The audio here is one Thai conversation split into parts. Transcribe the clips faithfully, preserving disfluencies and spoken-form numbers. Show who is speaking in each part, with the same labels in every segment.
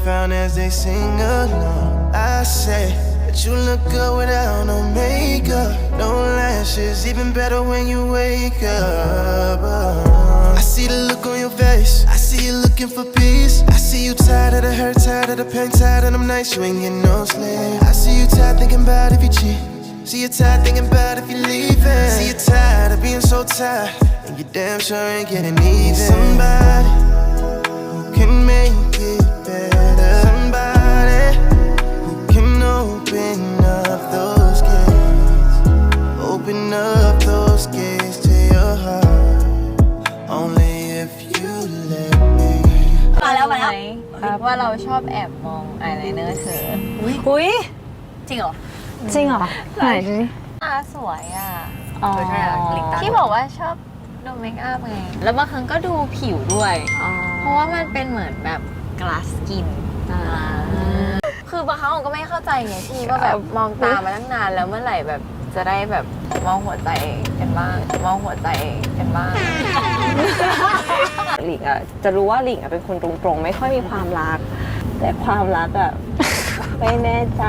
Speaker 1: found as they sing along. I say that you look good without no makeup, no lashes, even better when you wake up. uh, I see the look on your face, I see you looking for peace. I see you tired of the hurt, tired of the pain, tired of them nights you ain't getting no sleep. I see you tired thinking about if you cheat. See you tired thinking about if you're leaving. See you tired of being so tired, and you damn sure ain't getting even. Somebody who can make it better. Somebody who can open up those gates. Open up those gates to your heart. Only if you let me.
Speaker 2: มาแล้วมาแล้วว่าเราชอบแอบมองอายไลเนอร์เธออุ้ยจริงเหรอ
Speaker 3: จริงเหรอไหนดูดิ
Speaker 2: ตาสวยอ่ะ
Speaker 3: ที่
Speaker 2: บอกว่าชอบดูเมคอัพไงแล้วบางครั้งก็ดูผิวด้วยเพราะว่ามันเป็นเหมือนแบบกลาสกินคือบางครั้งผมก็ไม่เข้าใจไงพี่ว่าแบบมองตามาตั้งนานแล้วเมื่อไหร่แบบจะได้แบบมองหัวใจกันบ้างมองหัวใจกันบ้าง
Speaker 3: หลิงอ่ะจะรู้ว่าหลิงอ่ะเป็นคนตรงๆไม่ค่อยมีความรักแต่ความรักอ่ะไม่แน่ใจ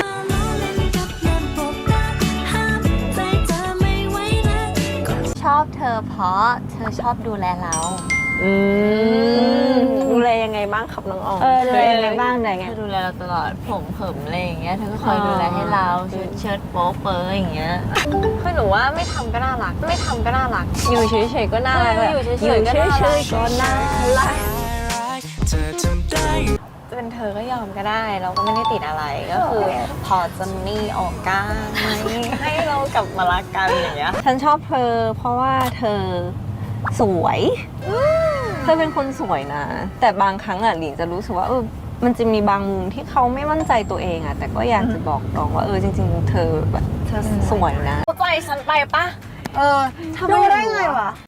Speaker 2: ชอบเธอเพราะเธอชอบดูแลเรา
Speaker 3: อืมดูแลยังไงบ้างครับน้องออมเออดูแลยังไงบ้างได้ไง
Speaker 2: เธอดูแลเราตลอดผมเผิมอะไรอย่างเงี้ยเธอก็คอยดูแลให้เราชุดเชิ้ตโป๊เปอร์อย่างเงี้ยคือหนูว่าไม่ทำก็น่ารักไม่ทำก็น่ารัก
Speaker 3: อยู่เฉยๆก็น่ารัก
Speaker 2: อยู่เฉยๆก็น่ารักเป็นเธอก็ยอมก็ได้เราก็ไม่ได้ติดอะไรก็คือพอจะมีโอกาสไหมให้เรากลับมารักกันอย่างเงี้ย
Speaker 3: ฉันชอบเธอเพราะว่าเธอสวยเธอเป็นคนสวยนะแต่บางครั้งอ่ะหลิงจะรู้สึกว่าเออมันจะมีบางมุมที่เขาไม่มั่นใจตัวเองอ่ะแต่ก็อยากจะบอกน้องว่าเออจริงๆเธอแบบเธอสวยนะ
Speaker 2: เข้าใจฉันไปปะ
Speaker 3: เออทำได้ไงวะ